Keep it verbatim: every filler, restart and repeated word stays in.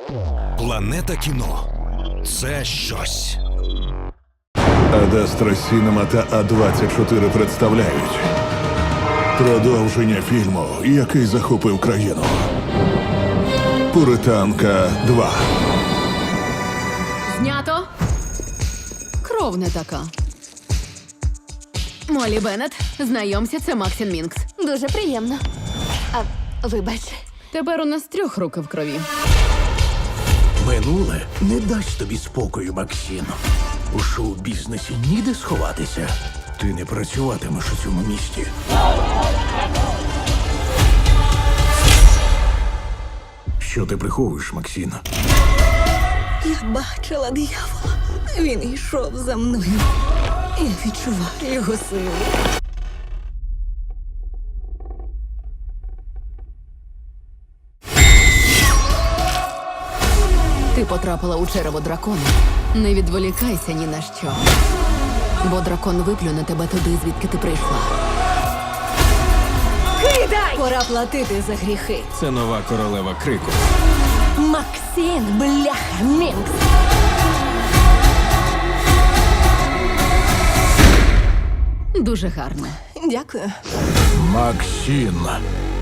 Планета кіно – це щось. Адастра Сінема та А двадцять чотири представляють продовження фільму, який захопив країну. Пуританка два. Знято. Кров не така. Молі Беннет, знайомся, це Максін Мінкс. Дуже приємно. А, вибач. Тепер у нас трьох руки в крові. Минуле не дасть тобі спокою, Максим. У шоу-бізнесі ніде сховатися. Ти не працюватимеш у цьому місті. Що ти приховуєш, Максим? Я бачила диявола. Він йшов за мною. Я відчуваю його силу. Ти потрапила у черево дракона. Не відволікайся ні на що. Бо дракон виплюне тебе туди, звідки ти прийшла. Кидай! Пора платити за гріхи. Це нова королева крику. Максим, бляха, Мінкс. Дуже гарно. Дякую. Максим,